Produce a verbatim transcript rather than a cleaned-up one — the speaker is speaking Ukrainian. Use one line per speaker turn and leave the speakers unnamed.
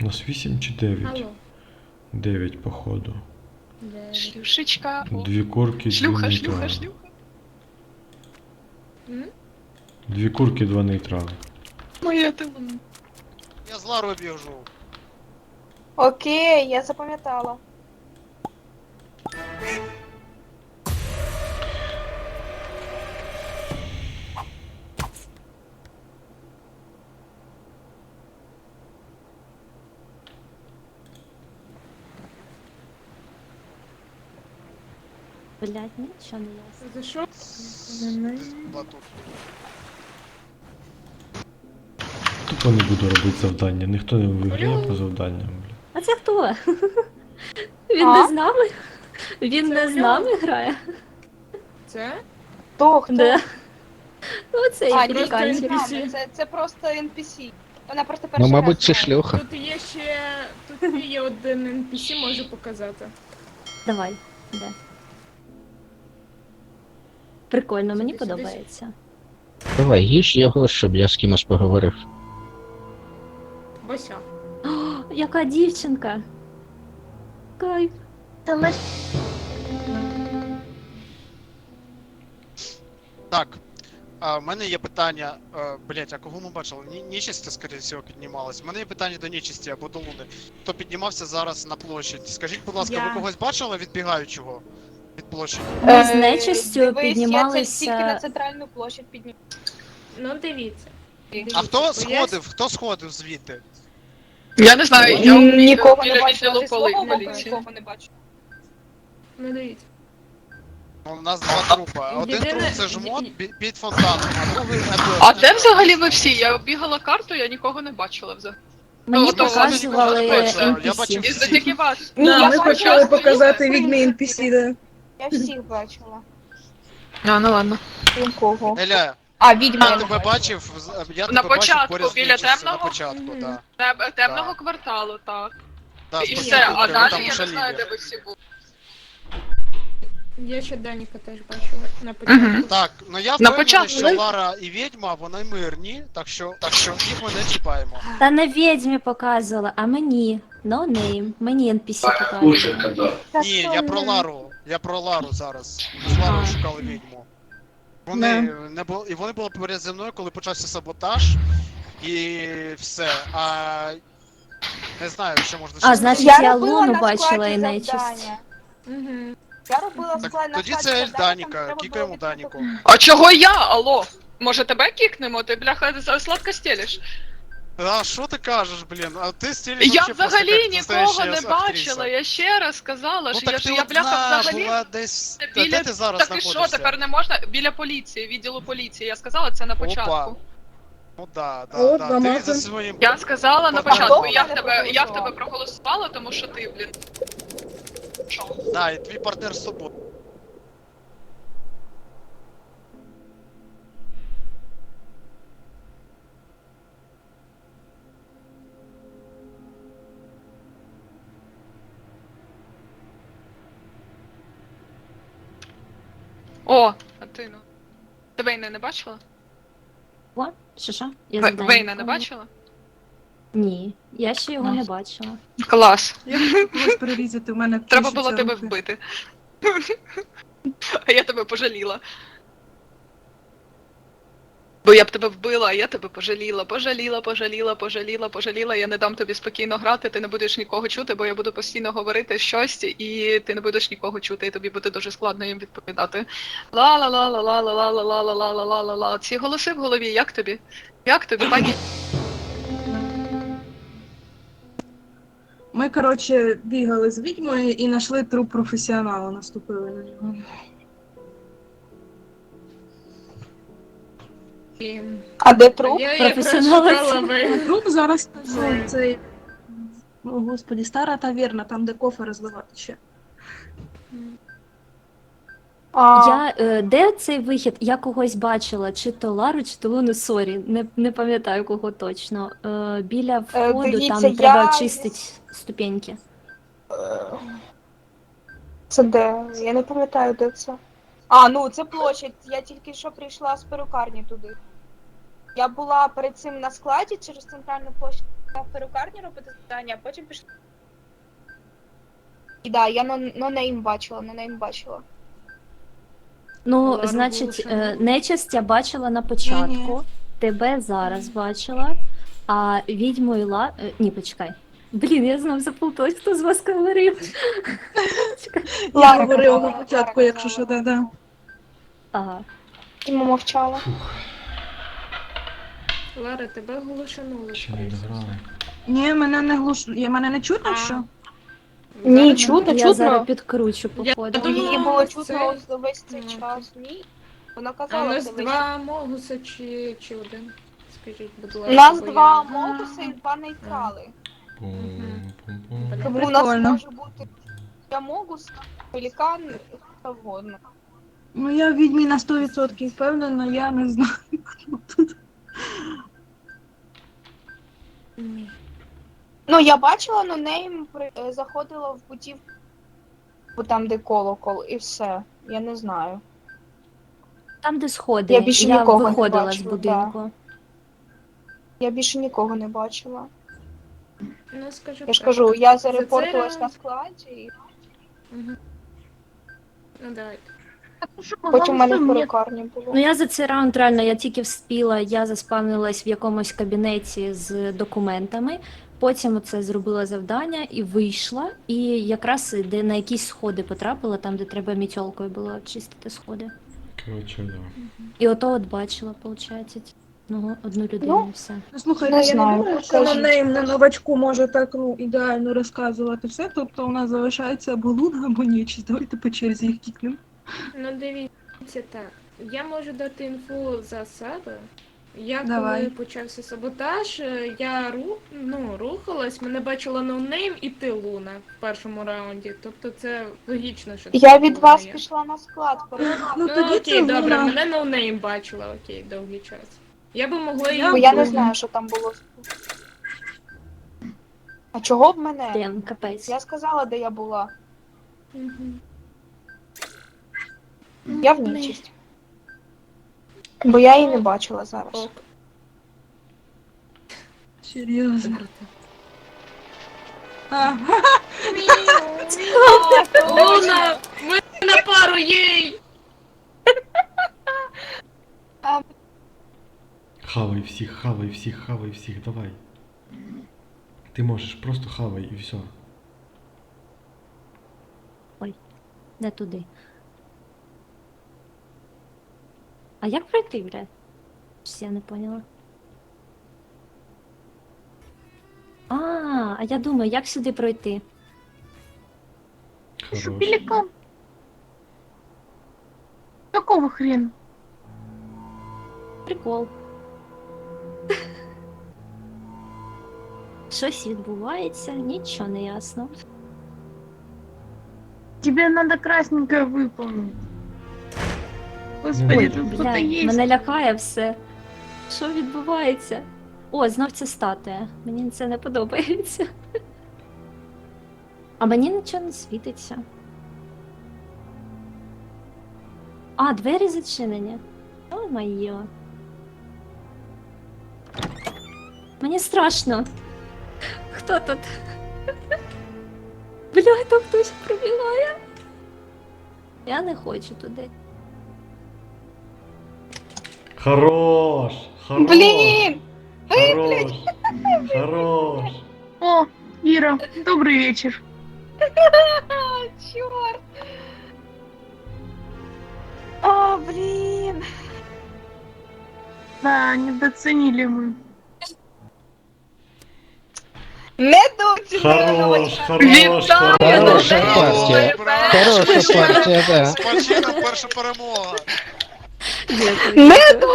У нас вісім чи дев'ять?
Алло.
дев'ять, походу.
Дев'ять.
Шлюшечка. О.
Дві курки, дві
Шлюха, шлюха,
нейтрали.
шлюха.
М?
Дві курки, два нейтрали.
Моя ти.
Я з Ларою біжу.
Окей, я запам'ятала.
Блять, нічого не ясно.
За що?
Батут.
Тупо не буду робити завдання. Ніхто не виграє по завданням, бля.
А це хто? Він
А?
не з нами? Він
Це
не з
Ульяна.
нами грає?
Це?
Хто, хто?
Да. Ну, це
А,
як
ні,
просто
це,
лікарні.
ен пі сі.
не це, це просто ен пі сі. Вона просто перший
Ну, мабуть, це
раз грає.
шлюха.
Тут є ще... Тут є один ен пі сі, можу показати.
Давай, де? Прикольно, мені
Сюди, сюди,
подобається.
Давай, їж його, щоб я з кимось поговорив.
Бося.
О, яка дівчинка! Кайф.
Так. А, в мене є питання. А, блять, а кого ми бачили? Ні, нечисті, скоріше всього, піднімалась. У мене є питання до нечисті або до Луни. Хто піднімався зараз на площадь? Скажіть, будь ласка,
Я.
ви когось бачили відбігаючого від площі?
Ми з
Е,
нечистю
дивись, Я це тільки на
піднімалися.
центральну площадь піднімала.
Ну, дивіться.
А хто
Дивіться,
сходив? Хто сходив звідти?
Я не знаю, я
М, Нікого не
біля
бачила,
відділу
зі свого боку
поліції.
нікого не бачу.
Ну, дивіться.
Ну, у нас два трупа. Один
Єдине-
труп це жмот бі- під фонтаном, а другий Едуард.
А де взагалі ви всі? Я бігала карту, я нікого не бачила взагалі.
Мені
Ну, то
показували
я бачила, я
ен пі
бачив
сі.
І за тільки вас.
Ні,
Да,
я
ми
бачила
почали
своїх,
показати
своїх.
відьми ен пі сі, да.
Я всіх бачила.
А, ну ладно.
Крім кого.
Еля,
А, відьма
я
я не
тебе
бачила.
бачив, з- я
На
тебе бачив
початку,
поряд з
біля
нечистю, на
темного?
початку,
Мгм.
так.
Теб- Темного
Так.
кварталу, так.
Да,
І
спасибо,
все, а
ви
далі
там
я не
шаліли.
знаю, де ви всі були.
Я ще Даніка теж бачила на початку.
Мгм.
Так, ну я
На
впевнений,
початку
що
ви-
Лара і відьма, вони мирні, так що, так що їх ми не чіпаємо.
Та не відьмі показувала, а мені. No name. Мені ен пі сі показували.
Та
Ні,
що
я
ви?
про Лару, я про Лару зараз. Ми з Ларою
А.
шукали відьму. Вони не були, і вони були поряд зі мною, коли почався саботаж, і все. А не знаю, що можна ще
А,
сказати.
значить,
Я
я
робила
Луну
на
бачила
складі
і нечисть.
завдання.
Угу.
Я робила
Так,
склад на
тоді
складі
це
завдання, там
Даніка,
треба
кікаємо
було
Даніку.
відкрити-
А чого я? Алло? Може тебе кікнемо? Ти, бляха, за- сладко стелиш?
А що ти кажеш, блін? А ти стілиш
Я
вообще просто
взагалі
як
нікого
настоящая
не
актриса.
бачила, я ще раз сказала,
Ну
що я,
так
що
ти
я
одна
бляха взагалі...
була десь... Та
Біля...
Де ти зараз
Так і
знаходишся?
що, тепер не можна? Біля поліції, відділу поліції. Я сказала це на початку.
Опа. Ну да, да,
От,
да.
намазан.
Ти за своїм...
Я сказала на
А
початку,
хто
я в
мене
тебе, я в
проголосував?
тебе проголосувала, тому що ти, блін. Що?
Да, і твій партнер з собою.
О, а ти ну. Ти Вейна не бачила?
О, що що? Я
Ве-
завдання
Вейна не
виконую.
бачила?
Ні, я ще його
Ну.
не бачила.
Клас.
Я хочу когось перерізати, у мене
Треба
тріщаться
було тебе
руки.
вбити. А я тебе пожаліла. Бо я б тебе вбила, а я тебе пожаліла, пожаліла, пожаліла, пожаліла, пожаліла. Я не дам тобі спокійно грати, ти не будеш нікого чути, бо я буду постійно говорити щось, і ти не будеш нікого чути, і тобі буде дуже складно їм відповідати. ла ла ла ла ла ла ла ла ла ла ла ла ла ла ла Ці голоси в голові, як тобі? Як тобі, пані?
Ми, коротше, бігали з відьмою і знайшли труп професіонала, наступили на нього.
І...
А де труп?
Я якраз
Професіонали
шукала
це-
ви.
Труп зараз це, це... О, господі, стара таверна, там де кофе розливати ще.
А,
Я, е, де цей вихід? Я когось бачила, чи то Лару, чи то Луну, сорі, не, не пам'ятаю кого точно. Е, біля входу
дивіться,
там треба
я-
очистити ступеньки.
Це де? Я не пам'ятаю, де це. А, ну це площадь. Я тільки що прийшла з перукарні туди. Я була перед цим на складі через центральну площадь. в перукарні робити завдання, а потім пішла. І да, я на нонейм бачила, нонейм бачила.
Ну,
Лара
значить,
Волошина.
е, нечисть я бачила на початку,
Ні-ні.
тебе зараз бачила, а відьму і ла... е, Ні, почекай. Блін, я знов заплуталась, хто з вас говорив.
Я
Лара
говорила
казала,
на початку,
Лара
якщо що,
казала.
да-да.
Ага.
І мовчала.
Лара, тебе глушануло.
Ще не
скоріше.
дограли.
Ні, мене не глуш... Я мене не чутно,
А.
що?
Ні,
Зараз
чутно,
Я
чутно.
зараз підкручу,
Я
походу.
думала,
Її було
це-
чутно весь цей
Ну,
час. Ні. Вона
А у
казала
нас
це весь.
два могуса чи, чи один? Скажіть, будь ласка.
У нас
бо
два
я-
модуси і два нейтрали.
Пум-пум-пум.
Тому у
Прикольно.
нас може бути я могус, пелікан, хто вгодно.
Ну я в відьмі на сто відсотків впевнена, я не знаю. хто тут.
Ні.
Ну, я бачила, но нейм при- е, заходила в будівлю, бо там, де колокол, і все. Я не знаю.
Там, де сходи,
Я більше нікого не
виходила з
бачила,
будинку.
Я більше нікого не бачила.
Ну, скажу
Я ж
так.
кажу, я
За
зарепортилась
це-
на складі, і
Мгм. Ну, давайте.
потім в мене в перукарні було.
Ну я за цей раунд реально я тільки вспіла, я заспавнилась в якомусь кабінеті з документами. Потім це зробила завдання і вийшла. І якраз де на якісь сходи потрапила, там де треба мітьолкою було чистити сходи.
Коротше, да.
І ото от бачила, виходить, ну, одну людину
Ну,
і все.
Ну, слухайте,
Не
я
знаю,
не думаю, що
кажіть.
на нейм на новачку може так ну, ідеально розказувати все, тобто у нас залишається або луна, або нічість. Давайте по черзі їх кікнемо.
Ну, дивіться так. Я можу дати інфу за себе. Я
Давай.
коли почався саботаж, е, я ру... ну, рухалась, мене бачила ноунейм і ти Луна в першому раунді. Тобто це логічно, що це
Я від
була
вас
я.
пішла на склад. перукарні.
Ну,
Ну,
тоді
окей,
це
добре,
луна.
мене ноунейм бачила, окей, довгий час. Я би могла її.
Я
Бо я не
вбити.
знаю, що там було. А чого б мене?
Блін, капець.
Я сказала, де я була.
Мгм.
Я в нічість. Бо я її не бачила зараз.
Ок.
Серйозно. А,
Луна! Ми на пару, єй!
Хавай всіх, хавай всіх, хавай всіх, давай. Ти можеш, просто хавай і все.
Не туди. А як пройти, бля? Щось я не поняла. А, а я думаю, як сюди пройти?
Хорош.
Какого хрена?
Прикол. Щось відбувається, нічого не ясно.
Тебе надо красненькое выполнить.
Господи,
Ой,
тут
бля, мене лякає все. Що відбувається? О, знов ця статуя. Мені це не подобається. А мені нічого не світиться. А, двері зачинені. О, моє. Мені страшно. Хто тут? Бля, там хтось пробігає. Я не хочу туди.
Хорош! Хорош!
Блін!
Хорош! Хорош!
О, Ира, добрый вечер.
Чорт! А, блін!
Да, недооценили мы.
Недооцінили!
Хорош! Хорош!
Хороша
Хорош!
партія.
Браво!
Хороша партія, да.
Спочатку перша перемога.
Дякую.
Недооцінили!